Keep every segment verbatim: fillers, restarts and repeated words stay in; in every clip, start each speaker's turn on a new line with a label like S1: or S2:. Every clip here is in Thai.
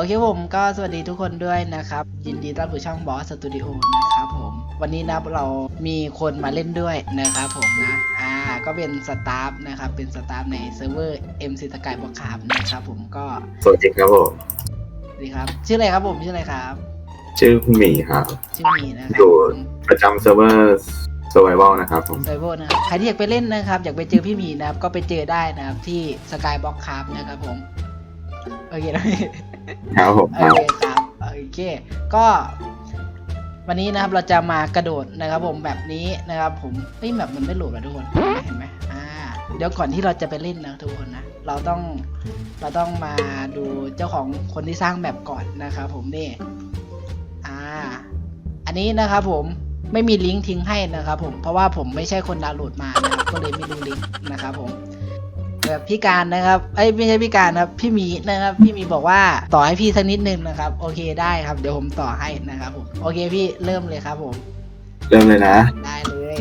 S1: เคผมก็สวัสดีทุกคนด้วยนะครับยินดีต้อนรับสู่ช่องบอสสตูดิโอนะครับผมวันนี้นะเรามีคนมาเล่นด้วยนะครับผมนะอ่าก็เป็นสตาฟนะครับเป็นสตาฟในเซิร์ฟเวอร์ เอ็ม ซี สกายบล็อกคาร์นะครับผมก็
S2: สวัสดีครับผม
S1: สวัสดีครับชื่ออะไรครับผมชื่ออะไรครับ
S2: ชื่อคุณหมีครับ
S1: ชื่อหมีนะครับ
S2: อยู่ประจำเซิร์ฟเวอร์ Survival นะครับผม
S1: Survival นะครับใครที่อยากไปเล่นนะครับอยากไปเจอพี่หมีนะครับก็ไปเจอได้นะครับที่สกายบล็อกคาร์นะครับผมโอเคนะครับ
S2: ผม
S1: โอเคครับโอเคก็วันนี้นะครับเราจะมากระโดดนะครับผมแบบนี้นะครับผมเฮ้ยแบบมันไม่โหลดแล้วทุกคนเห็นไหมอ่าเดี๋ยวก่อนที่เราจะไปเล่นนะทุกคนนะเราต้องเราต้องมาดูเจ้าของคนที่สร้างแบบก่อนนะครับผมนี่อ่าอันนี้นะครับผมไม่มีลิงก์ทิ้งให้นะครับผมเพราะว่าผมไม่ใช่คนดาวน์โหลดมานะครับก็เลยไม่รู้ลิงก์นะครับผมแบบพี่การนะครับเอ้ยไม่ใช่พี่การครับพี่หมีนะครับพี่หมีบอกว่าต่อให้พี่สักนิดนึงนะครับโอเคได้ครับเดี๋ยวผมต่อให้นะครับผมโอเคพี่เริ่มเลยครับผม
S2: เริ่มเลยนะ
S1: ได้เลย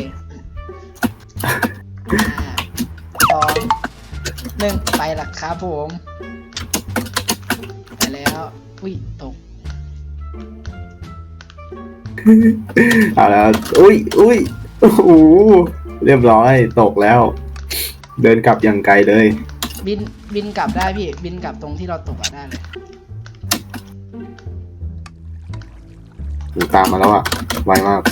S1: สองหนึ่งไปละครับผมไปแล้วอุ้ยตก
S2: เอาแล้วอุ้ยอุ้ยโอ้โหเรียบร้อยตกแล้วเดินกลับอย่างไกลเลย
S1: บินบินกลับได้พี่บินกลับตรงที่เราตกอะได้เลย
S2: ตามมาแล้วอะไวมาก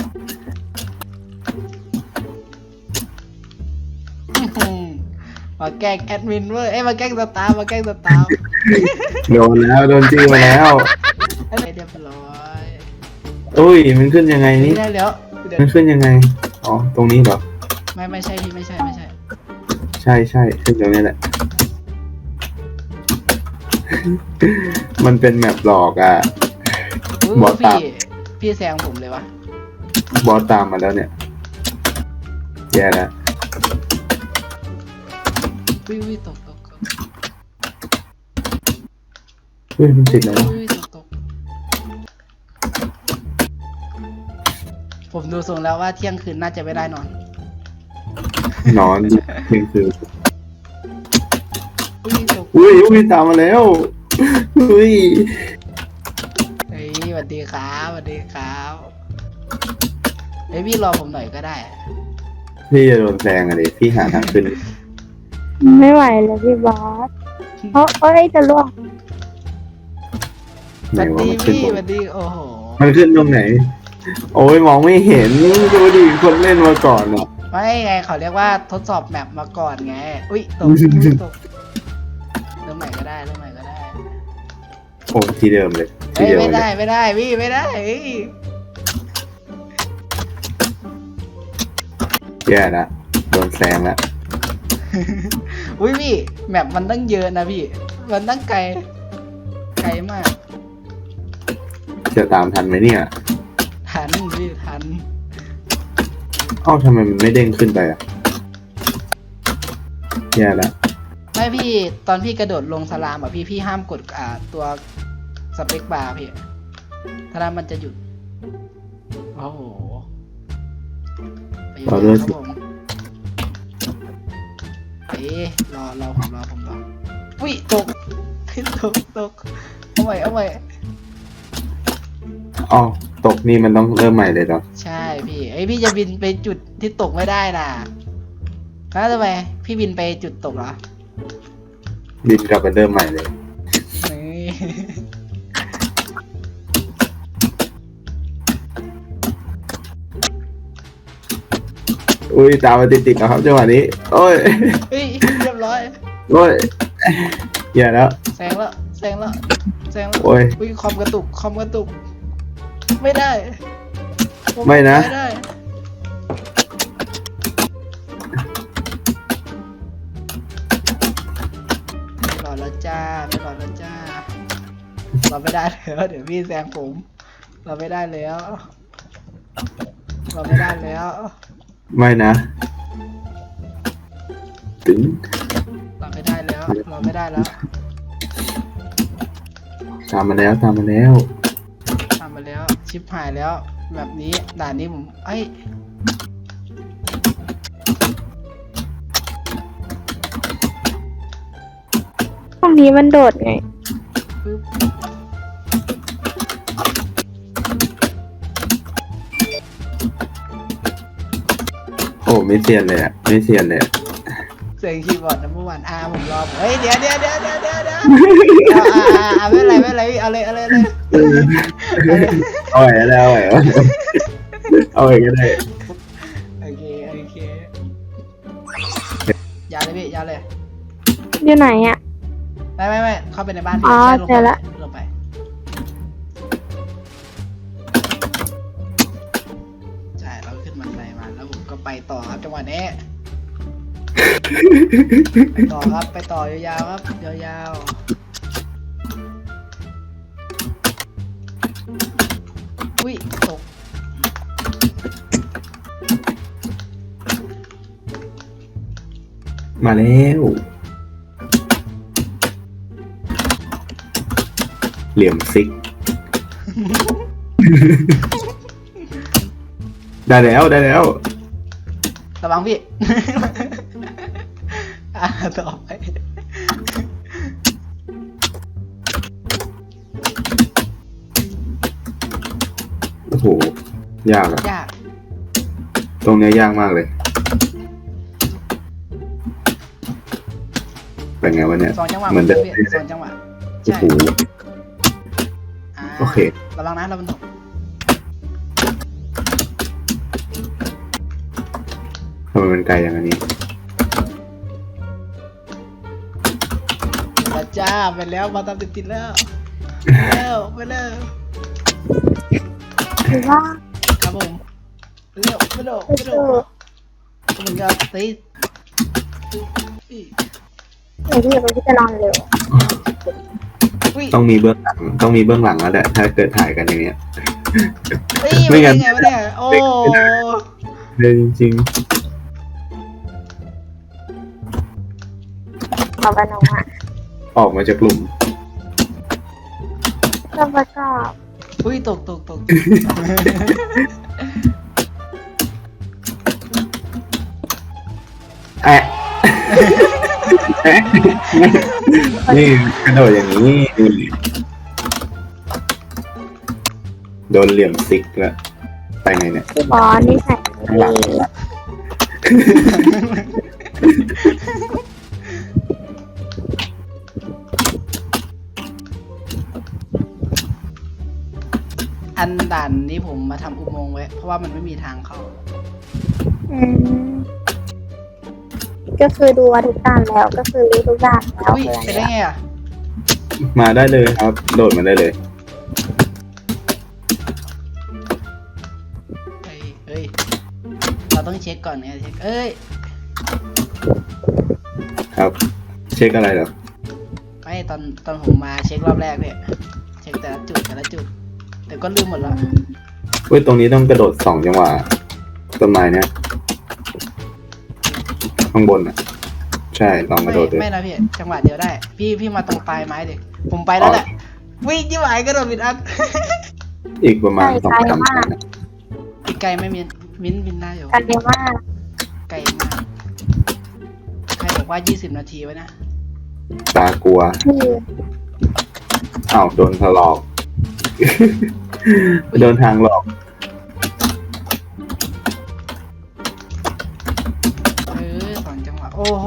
S1: มาแกล้งแอดมินเว้ยเอ้ยมาแกล้งสตาร์มาแกล้งสตาร์
S2: โดนแล้วโดนจี้มาแล้ว
S1: เรียบร้อย
S2: อุ้ยมันขึ้นยังไงนี่
S1: ได้แล้ว
S2: มันขึ้นยังไงอ๋อตรงนี้เหรอ
S1: ไม่ไม่ใช่พี่ไม่ใช่ไม่ใช่
S2: ใช่ใช่ขึ้นตรงนี้แหละมันเป็นแมปหลอกอ่ะ
S1: บอสตามพี่แซงผมเลยวะ
S2: บอสตามมาแล้วเนี่ยแย่แล้ว
S1: วิวตกตก
S2: เฮ้ยมันติดแล้ว
S1: ผมดูทรงแล้วว่าเที่ยงคืนน่าจะไม่ได้นอน
S2: นอนเที่ยงคืน
S1: อุ้ย
S2: อุ้ยตามมาแล้วอุ้ย
S1: เฮ้ยสวัสดีครับสวัสดีครับเฮ้ยพี่รอผมหน่อยก็ได้
S2: พี่จะโดนแซงอะไรพี่หาทางขึ้น
S3: ไม่ไหวเลยพี่บอสเพราะเอ้ยจะล่วง
S1: สวัสดีพี่สวัสดีโอ้โห
S2: มันขึ้นตรงไหนโอ้ยมองไม่เห็นดูดิคนเล่นมาก่อนอ่ะ
S1: ไม่ไงเขาเรียกว่าทดสอบแมปมาก่อนไงอุ้ยตกตกเริ่มใหม่ก็ได้เริ่มใหม่ก็ได้
S2: โอ้ที่เดิมเลย
S1: ไม่ไม่ได้ไม่ได้พี่ไม่ได้
S2: แย่ละโดนแซงละ
S1: อุ้ยพี่แมปมันตั้งเยอะนะพี่มันตั้งไกลไกลมาก
S2: จะตามทันไหมเนี่ย
S1: ทันพี่ทัน
S2: เอ้าทำไมมันไม่เด้งขึ้นไปอ่ะแย่แล้ว
S1: ไม่พี่ตอนพี่กระโดดลงสลามอ่ะพี่พี่ห้ามกดอ่าตัวสเปคบาร์พี่ถ้านั้นมันจะหยุดโอ้โหไปอยู่ครับผมเอ๊ะรอรอผมรอผมรออุ้ยตกตกตกเอาใหม่เอาใหม่
S2: อ๋อตกนี่มันต้องเริ่มใหม่เลยเหรอ
S1: ใช่พี่ไอพี่จะบินไปจุดที่ตกไม่ได้น่ะแล้วทำไมพี่บินไปจุดตกเหรอ
S2: บินกลับไปเริ่มใหม่เลยอุ้ยตามมาติดๆนะครับจังหวะนี้โอ้ย
S1: เฮ้ยเรียบร้อย
S2: โอ้ยอย่าแล้ว
S1: แซงแล้วแซงแล้วแซงแล้ว
S2: โอ้ย
S1: อุ้ยคอมกระตุกคอมกระตุกไม่ได้
S2: ไม่นะ
S1: ไม่ได้ไม่รอแล้วจ้าไม่รอแล้วจ้าเราไม่ได้แล้วเดี๋ยวพี่แซงผมเราไม่ได้แล้วเราไม่ได้แล้ว
S2: ไม่นะถึง
S1: เราไม่ได้แล้วเราไม่ได้แล้ว
S2: ตามมาแล้วตามมาแล้ว
S1: ทำมาแล้วชิปหายแล้วแบบนี้ด่านนี้ผมไอ้
S3: ตรงนี้มันโดดไง
S2: อ้ไม่เซียนเลยอ่ะไม่เซียนเลยอะ
S1: เสียงคีย์บอร์ดนัมเบอร์วันอาผมรอเฮ้ยเดี๋ยวเดี๋ยวเดี๋ยวเดี๋ยวเดี๋ยวเดี๋ยวเอาอ่าอ่าไม่เป็นไรไม่เป็นไรเอาเลยเอาเลยเอาเลย
S2: เอาไว้ก็ได้เอาไว้เอาไว้ก็ได้
S1: โอเคโอเคยาเลยพี่ยาเลย
S3: อยู่ไหนอ่ะ
S1: ไม่ไม่ไม่เข้าไปในบ้าน
S3: อ๋อ
S1: ใช่ลง
S3: เจอละ
S1: ลงไปใช่เราขึ้นบันไดมาแล้วผมก็ไปต่อครับจังหวะนี้ไปต่อครับไปต่อยาวๆครับยาวๆอุ้ยตก
S2: มาแล้วเหลี่ยมซิก ได้แล้วได้แล้ว
S1: ระวังพี่ อ่ะต่อไป
S2: โอ้โหยากอะ
S1: ยาก
S2: ตรงเนี้ยยากมากเลยเป็นไงวะเนี่ย
S1: สองจังหวะ
S2: เหมือนเดิม
S1: พี่สองจังหวะ
S2: โอ้
S1: ใช่
S2: โห
S1: อ่า
S2: โอเค
S1: ระวังนะระวังตก
S2: ทำไมมันไกลอย่างนี้
S1: ไปจ้าไปแล้วมาตามติดๆแล้วไปแล้วไปแล้ว
S3: หรือว่า
S1: ครับผมไปเร็วไปเร็ว
S3: ไป
S1: ไป
S3: เจ
S1: เร็ว
S3: อ
S1: มันก็ติด
S3: เดี๋ยวพี่พี่จะนอนเร็ว
S1: อุ้ย
S2: ต้องมีเบื้องหลังต้องมีเบื้องหลังแล้วแหละถ้าเกิดถ่ายกันอย่างเงี้ย
S1: เฮ้ย
S2: ไม่
S1: ไม่
S2: งั้
S1: ไง
S2: น
S1: ไงวะเนี่ยโอ้
S2: เลยจริง
S3: เอาไปนอนอ่ะ
S2: ๆออกมาจากกลุ่ม
S3: แล้วก็
S1: อุ้ยตกตกตก
S2: แอะ แอะนี่กระโดดอย่างนี้ดูดิโดนเหลี่ยมซิกแล้วไปไงเนี่ย
S3: พี่บอสนี่ใส่
S2: ข้างหลัง
S1: อันด่านนี้ผมมาทำอุโมงค์ไว้เพราะว่ามันไม่มีทางเข้า
S3: อืมก็คือดูว่าทุกด้านแล้วก็คือรู้ทุกด้านแล้ว
S1: อุ้ย
S3: เลย
S1: ไปได้ไงอ่ะ
S2: มาได้เลยครับ โดดมาได้เลย
S1: เฮ้ยเฮ้ยเราต้องเช็คก่อนไงเช็คเอ้ย
S2: ครับ เช็คอะไรเหรอ
S1: ไม่ตอนตอนผมมาเช็ครอบแรกเนี่ยเช็คแต่ละจุดแต่ละจุด แต่ก็ลืมหมดแล้ว
S2: เว้ยตรงนี้ต้องกระโดดสองจังหวะต้นไม้เนี่ยข้างบนอ่ะ ใช่ลองก
S1: ไม่
S2: ระโดดดู
S1: ไม่นะพี่จังหวะเดียวได้ พี่พี่มาตรงปลายไม้ดิผมไปแล้วแหละวิ่งยี่หวายกระโดดบิดอัด
S2: อีกประมาณสองสามชั้นอะ
S1: อีกไกลไม่มินมิ้นบินได้อยู่
S3: กันเดียวมาก
S1: ไกลมากใครบอกว่ายี่สิบนาทีไว้นะ
S2: ตากลัว
S3: พี่
S2: อ้าวโดนถลอก โดนทางหลอก
S1: เออสองจังหวะโอ้โห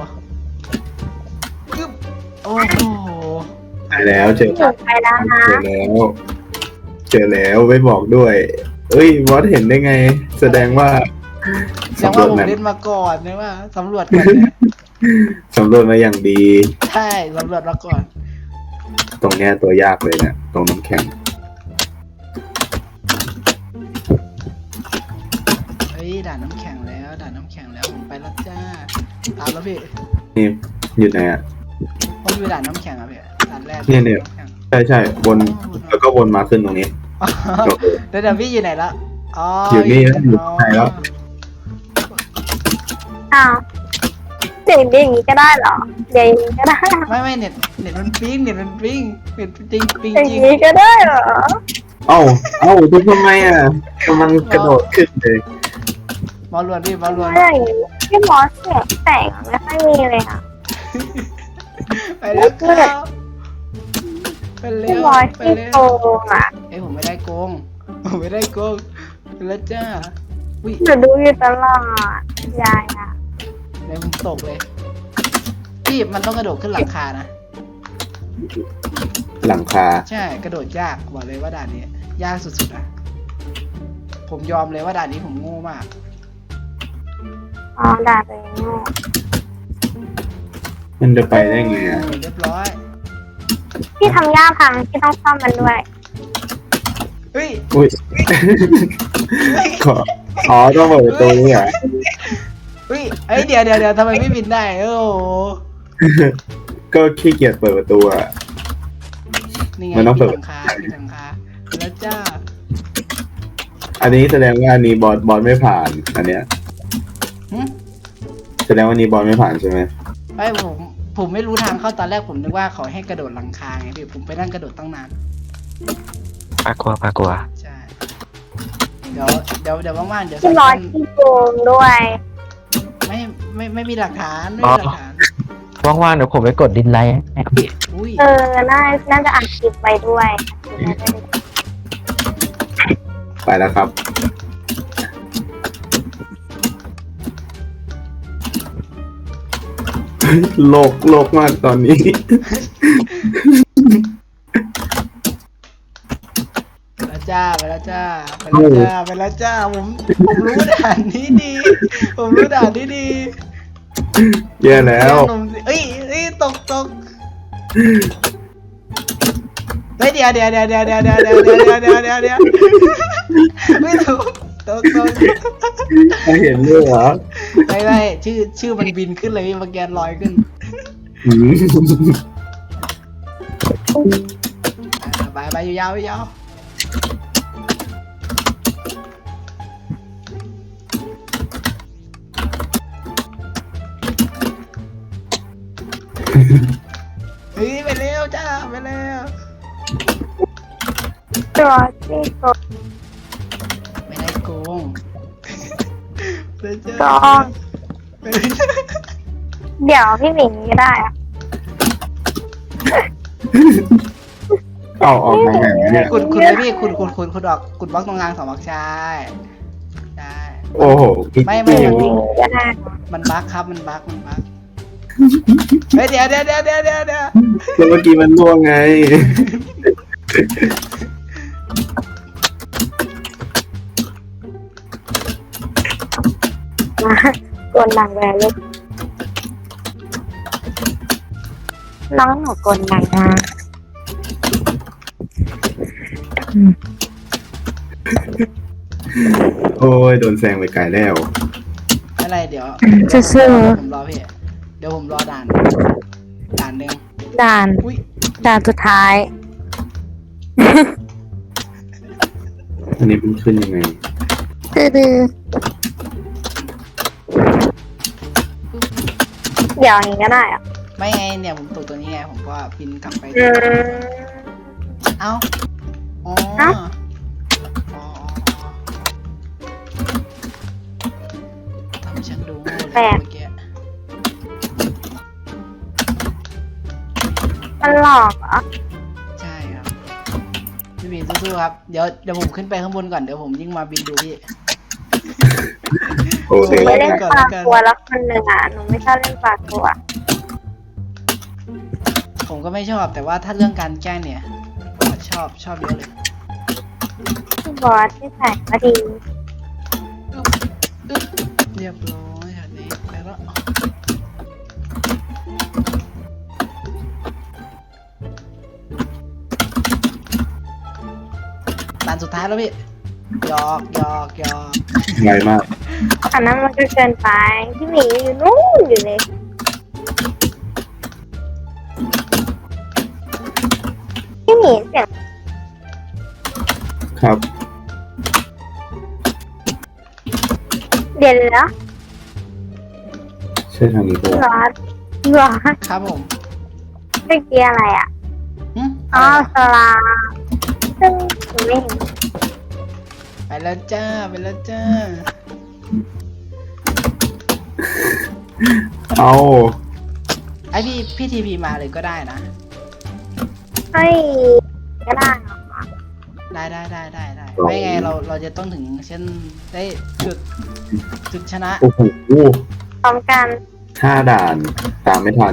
S1: กึ๊บโอ้โห
S2: ไปแล้วเจอ
S3: หยุดไปแล้วนะ
S2: เจอแล้ว เจอแล้วไม่บอกด้วย เอ้ยบอสเห็นได้ไง แสดงว่า
S1: แสดง
S2: สำร
S1: ว่าว
S2: จ
S1: ผม
S2: มา
S1: เล่นมาก่อนนะว่าสำรวจก่อนเนี่ย
S2: สำรวจมาอย่างดี
S1: ใช่สำรวจมาก่อน
S2: ตรงเนี้ยตัวยากเลยนะตรงน้ำแข็ง
S1: เฮ้ยด่านน้ำแข็งแล้วด่านน้ำแข็งแล้วผมไปแล้วจ้าตามแล้วพี่
S2: นี่อยู่ไหนอ่ะ
S1: ผมอยู่ด่านน้ำแข็งอ่ะพี่ด่านแรก
S2: เนี่ยเนี่ย
S1: ำแข็ง
S2: ใช่ใช่วนแล้วก็วนมาขึ้นตรงนี้
S1: อ๋อเดี๋ยวเดี๋ยวพี่อยู่ไหนละอ๋อ
S2: อยู่นี่
S1: อยู่
S2: อยู่ไหนแล้ว
S3: อ้าวเดี๋ยวอย่างนี้ก็ได้เหรอเดี๋ยวอย่างนี้ก็ได้
S1: ไม่ไม่เน็ตเน็ตมันปิ้งเน็ตมันปิ้งเน็ตจริงปิ้ง
S3: อย่าง
S1: จริง
S3: นี้ก็ได้เหรอ
S2: เอ้าเอ้าทุกทำไมอ่ะกำลังกระโดดขึ้นเลย
S1: บอลลวนพี่บอลลวน
S3: ไม่อย่างนี้พี่บอสเสียงแต่งไม่ค่อยมีเลยอ่ะ
S1: ไปแล้วครับไปเร็
S3: พี่
S1: ว
S3: บอส
S1: ไป
S3: ที่
S1: เร็ว
S3: โกงอ่ะ
S1: เอ้ยผมไม่ได้โกงผมไม่ได้โกงไปแล้วจ้าอุ้ย
S3: หนูดูอยู่ตลอดยายอ่ะ
S1: เดี๋ยวผมตกเลยพี่มันต้องกระโดดขึ้นหลังคานะ
S2: หลังคา
S1: ใช่กระโดดยากบอกเลยว่าด่านนี้ยากสุดๆนะผมยอมเลยว่าด่านนี้ผมโง่มาก
S3: อ๋อด่าตัวเองโง่
S2: มันจะไปได้ไงอ่ะ
S1: เรียบร้อย
S3: พี่ทำย่าพังพี่ต้องซ่อมมันด้วย
S1: เฮ้ย
S2: อุ้ย
S1: เฮ้ย
S2: ขออ๋อต้องเปิดประตูนี่เหรอ
S1: เฮ้ยเอ้ยเดี๋ยวเดี๋ยวเดี๋ยวทำไมไม่บินได้โอ้โห
S2: ก็ขี้เกียจเปิดประตูอ่ะ
S1: นี่ไง
S2: มันต้องเปิ
S1: มี
S2: ด
S1: หลังคามีหลังคาแล้วจ้า
S2: อันนี้แสดงว่าอันนี้บอลบอลไม่ผ่าน อันเนี้ย
S1: หึ
S2: แสดงว่าอันนี้บอลไม่ผ่านใช่ไหม
S1: ไอ้ผมผมไม่รู้ทางเข้าตอนแรกผมนึกว่าเขาให้กระโดดหลังคาไงพี่ผมไปนั่งกระโดดตั้งนาน
S4: ปลากลัวปลากลัว
S1: ใช่เดี๋ยวเดี๋ยวเดี๋ยวว่างๆเดี๋ยว
S3: พี่
S1: สัก
S3: ร้อย
S1: วัน
S3: พี่โกงด้วย
S1: ไม่ไม่ไม่มีหลักฐานไม่มีหลักฐาน
S4: ว่างๆเดี๋ยวผมไปกดดินไลค์ให้ครับพี่
S1: อุ้ย
S3: เออน่าน่าจะอัดคลิปไปด้วย
S2: ไปแล้วครับ โลกโลกมากตอนนี้
S1: ไปแล้วจ้าไปแล้วจ้าไปแล้วจ้าไปแล้วจ้าผมผมรู้ด่านนี้ดี ผมรู้ด่านนี้ดี
S2: แย่แล้ว
S1: หนุ่มสิเอ้ยเอ้ยตกตกเฮ้ยเดี๋ยวเดี๋ยวเดี๋ยวเดี๋ยวเดี๋ยวเดี๋ยวเดี๋ยวเดี๋ยวเดี๋ยวเดี๋ยวเดี๋ยวไม่ถูกตกตก
S2: ไม่เห็นด้วยเหรอ
S1: ไม่ไม่ชื่อชื่อมันบินขึ้นเลยพี่มาแกนลอยขึ้น
S2: อืม
S1: อ่าไปไปยาวๆยาวเฮ้ยไปเร็วจ้าไปเร็ว
S3: ตัวพี่โกง
S1: ไม่ได้โกงไปจ้า
S3: โกง
S1: ไปจ้า
S3: เดี๋ยวพี่หมิงก็ได้อะ
S2: เอาออกทางไหนวะเนี่ย
S1: คุณคุณเลยพี่คุณคุณคุณคุณออกคุณบล็อกตรงกลางสองบล็อกใช่ใช่
S2: โอ้โหพี่
S1: ไม่ไม่
S3: พี่หมิงก็ได้
S1: มันบั๊กครับมันบั๊กมันบั๊กเฮ้ยเดี๋ยวเดี๋ยวเดี๋ยวเดี๋ยวเดี๋ยวเดี๋ยว
S2: แล้วเมื่อกี้มันล่วงไง
S3: มากวนหนังแวร์ลูกน้องหนูกวนหนังนะ
S2: โอ้ยโดนแซงไปไกลแล้ว
S1: อะไรเดี๋ยว
S3: ซื่อ
S1: ผมรอพี่เดี๋ยวผมรอด่านด่านหนึ่ง
S3: ๆด่าน
S1: อุ้ย
S3: ด่านสุดท้าย
S2: อันนี้มันขึ้นยังไง
S3: ดื้อๆเดี๋ยวอย่างนี้ก็ได้อะ
S1: ไม่ไงเนี่ยผมตกตัวนี้ไงผมก็บินกลับไป
S3: อืม
S1: เอ้าอ๋อ
S3: เอ้า
S1: อ๋อทำฉันดูโง่เลยเมื่อกี้
S3: มันหลอกเหรอ
S1: ใช่ครับพี่บินสู้ๆครับเดี๋ยวเดี๋ยวผมขึ้นไปข้างบนก่อนเดี๋ยวผมยิ่งมาบินดูพี่
S2: โอ้
S3: ห
S2: เด็
S3: นู
S2: ก
S3: ไม่เล่นปลากัวแล้วคนหนึ่งอ่ะ หนูไม่ชอบเล่นปลากัว
S1: ผมก็ไม่ชอบแต่ว่าถ้าเรื่องการแกล้งเนี่ยชอบชอบเยอะเลย
S3: พี่บอสที่แสงมาดี
S1: อึ๊บเรียบร้อยอันนี้ไปแล้วด่านสุดท้ายแล้วพี่หยอกหยอกหยอก
S2: ไวมาก
S3: อันนั้นมันก็เกินไป พี่หมีอยู่นู่นอยู่เลย พี่หมีเสียง
S2: ครับ
S3: เด่นแล้ว
S2: ใช่ทางนี้ปะ
S3: พี่บ
S2: วะ
S3: อสพี่บอส
S1: ครับผม
S3: เมื่อกี้อะไรอ่ะ
S1: หึ
S3: อ๋อสลาซึ่งหนูไม่เห็น
S1: ไปแล้วจ้าไปแล้วจ้า
S2: เอา
S1: ไอพี่พี่ทีพีมาเลยก็ได้นะ
S3: เฮ้ยก็ได้เหรอ
S1: ไได้ได้ได้ได้ได้ไม่ไงเราเราจะต้องถึงเช่นได้จุดจุดชนะ
S2: โอ้โห
S3: พร้อมกัน
S2: ห้าด่านตามไม่ทัน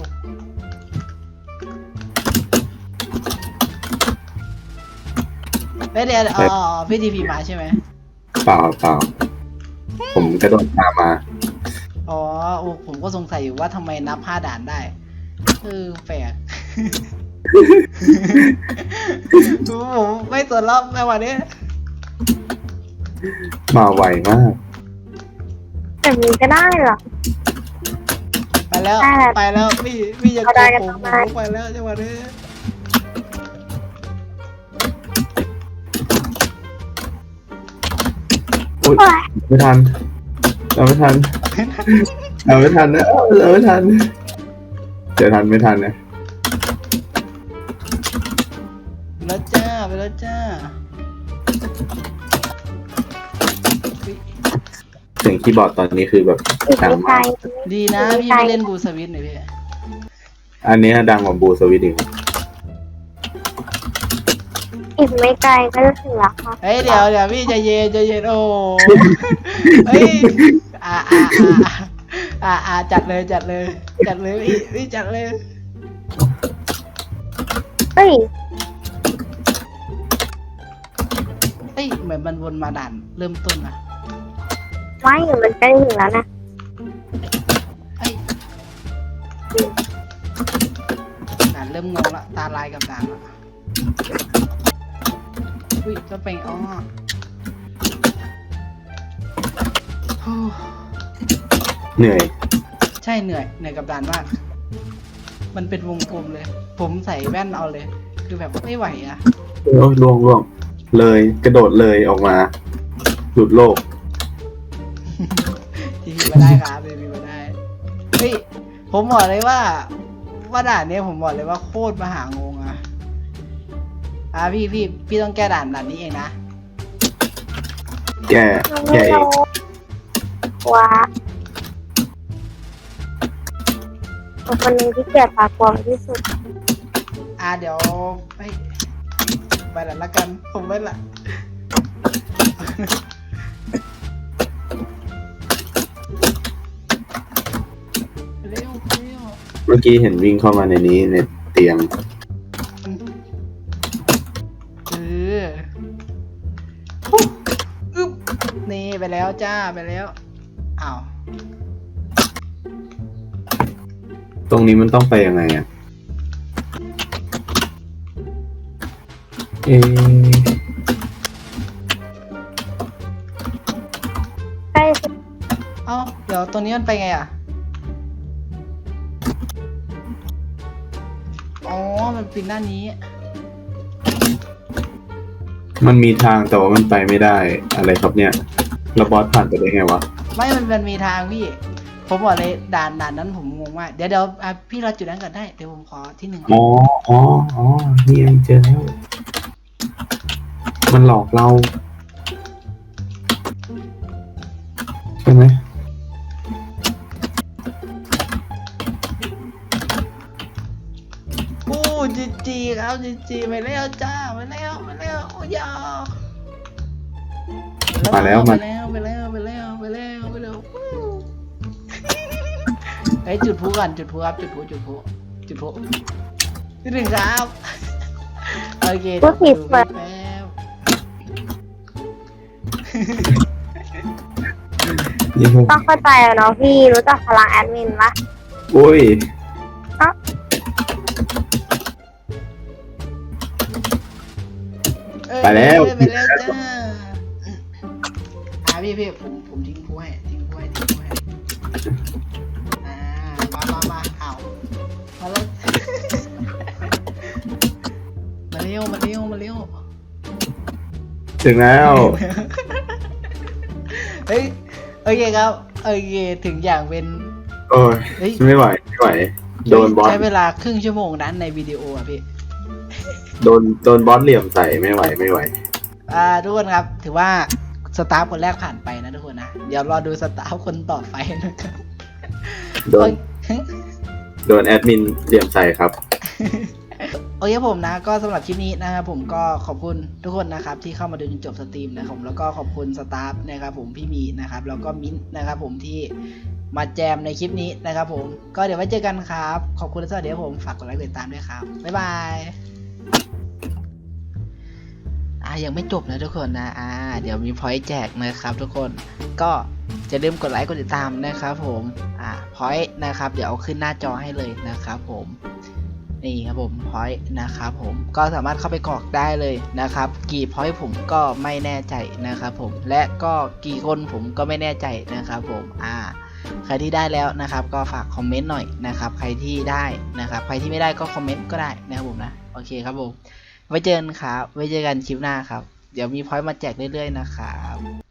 S1: เฮ้ยเดี๋ยวอ๋อพี่ทีพีมาใช่ไหม
S2: เปล่าเปล่าผมกระโดดตามมา
S1: อ๋อโอ้ผมก็สงสัยอยู่ว่าทำไมนับห้าด่านได้เออแปลก ผมไม่สนรอบในวันนี้
S2: มาไวมาก
S3: แบบนี้ก็ได้เหรอ
S1: ไปแล้ว
S3: ได้แล้ว
S1: ไปแล้วพี่พี่จะ
S3: เอา
S1: โก
S3: ได้
S1: ง
S3: กัน
S1: ผม
S3: ทำไม
S1: ผมไปแล้วจังหวะนี้
S2: อุ้ย
S3: โอ้ย
S2: ไม่ทัน เราไม่ทัน เราไม่ทันนะเราไม่ทันจะทันไม่ทันนะ
S1: ไปแล้วจ้าไปแล้วจ้าอุ๊ย
S2: เสียงคีย์บอร์ดตอนนี้คือแบบ
S3: อีก
S2: ดัง
S3: ไม่ไกล
S2: มาก
S1: ดีนะพี่ไม่เล่นบูสวิตหน่อยพี่
S2: อันนี้ดังกว่าบูสวิตอีก
S3: อีกไม่ไกลก็จะถึงแล้วค่ะ
S1: เฮ้ยเดี๋ยวเดี๋ยวพี่ใจเย็นใจเย็นโอ้เฮ้ยอ่าอ่าอ่าอ่าอ่าจัดเลยจัดเลย จัดเลยพี่พี่จัดเลย
S3: เฮ้ย
S1: เฮ้ยเหมือนมันวนมาด่านเริ่มต้นนะ
S3: ไม่มันใกล้ถึงแล้วนะ
S1: เฮ้ยด่านเริ่มงงละตาลายกับด่านละอุ้ยจะเป็นอ๋อโอ้
S2: เหนื่อย
S1: ใช่เหนื่อยเหนื่อยกับด่านมาก มันเป็นวงกลมเลย ผมใส่แว่นเอาเลย คือแบบไม่ไหวอะ
S2: โอ้ยล่วงล่วงเลยกระโดดเลยออกมา หลุดโลก
S1: ทีพีมาได้ครับทีพีมาได้เฮ้ยผมบอกเลยว่า ว่าด่านเนี้ยผมบอกเลยว่าโคตรมหางงอะอ่ะพี่พี่พี่ต้องแก้ด่านด่านนี้เองนะ
S2: แก้
S3: มัน
S2: แก้
S3: ไม่
S2: เอง
S3: รู้ว่าเป็นคนหนึ่งที่เกลียดปากกวางที่สุด
S1: อ่ะเดี๋ยวไปไปละละกันผมไปละเร็วเร็ว
S2: เมื่อกี้เห็นวิ่งเข้ามาในนี้ในเตียง
S1: เออปุ๊บอึ๊บนี่ไปแล้วจ้าไปแล้วอ้าว
S2: ตรงนี้มันต้องไปยังไงอ่ะ เอะ
S3: ใกล้สุด
S1: เอ้าเดี๋ยวตัวนี้มันไปไงอ่ะอ๋อมันปีนด้านนี้
S2: มันมีทางแต่ว่ามันไปไม่ได้ อะไรครับเนี่ยแล้วบอสผ่านไปได้ไงวะ
S1: ไม่มันมันมีทางพี่ ผมบอกเลยด่านด่านนั้นผมงงมากเดี๋ยวเดี๋ยวอ่ะพี่รอจุดนั้นก่อนได้เดี๋ยวผมขอที่หนึ่งก่อน
S2: อ๋อ อ๋อ อ๋อ นี่เองเจอแล้ว มันหลอกเรา ใช่ไหม
S1: โอ้จีจีครับจีจีไปแล้วจ้าไปแล้วไปแล้วโอ้ยา
S2: มาแล้ว
S1: ไป
S2: มา
S1: แล้วไปแล้วไปแล้วไปแล้วไปแล้ววู้เฮ้ยจุดพลุก่อนจุดพลุครับจุดพลุจุดพลุจุดพลุที่หนึ่งครับโอเคเดี๋ยวผมดูแป๊บ
S2: นี่พวก
S3: ต้องเข้าใจอะเนาะพี่รู้จักพลังแอดมินปะ
S2: โอ้ย
S1: เอ้ย
S2: ไปแล้ว
S1: ไปแล้วจ้าอ่าพี่พี่ผมผมทิ้งพลุให้ทิ้งพลุให้ทิ้งพลุให้อ่ามามามาเอามาแล้ว มาเร็วมาเร็วมาเร็ว
S2: ถึงแล้ว
S1: เฮ้ยโอเคครับโอเคถึงอย่างเป็น
S2: โอ้ย
S1: เฮ้ย
S2: ไม่ไหว ไม่ไหว โดนบอส
S1: ใช้เวลาครึ่งชั่วโมงนั้นในวิดีโออ่ะพี่
S2: โดน โดนบอสเหลี่ยมใส่ ไม่ไหว ไม่ไหว
S1: อ่าทุกคนครับถือว่าสตาฟคนแรกผ่านไปนะทุกคนนะเดี๋ยวรอดูสตาฟคนต่อไปนะครับ
S2: โดน โดนแอดมินเหลี่ยมใส่ครับ
S1: โอเคครับผมนะก็สำหรับคลิปนี้นะครับผมก็ขอบคุณทุกคนนะครับที่เข้ามาดูจนจบสตรีมนะครับผมแล้วก็ขอบคุณสตาฟนะครับผมพี่มีนะครับแล้วก็มิ้นท์นะครับผมที่มาแจมในคลิปนี้นะครับผมก็เดี๋ยวไว้เจอกันครับขอบคุณและสวัสดีครับผมฝากกดไลค์กดติดตามด้วยครับบ๊ายบายอ่ายังไม่จบนะทุกคนนะอ่าเดี๋ยวมีพอยต์แจกนะครับทุกคนก็อย่าลืมกดไลค์กดติดตามนะครับผมอ่าพอยต์นะครับเดี๋ยวเอาขึ้นหน้าจอให้เลยนะครับผมนี่ครับผมพอยต์นะครับผมก็สามารถเข้าไปกรอกได้เลยนะครับกี่พอยต์ผมก็ไม่แน่ใจนะครับผมและก็กี่คนผมก็ไม่แน่ใจนะครับผมอ่าใครที่ได้แล้วนะครับก็ฝากคอมเมนต์หน่อยนะครับใครที่ได้นะครับใครที่ไม่ได้ก็คอมเมนต์ก็ได้นะครับผมนะโอเคครับผมไว้เจอกันครับไว้เจอกันคลิปหน้าครับเดี๋ยวมีพอยต์มาแจกเรื่อยๆนะครับ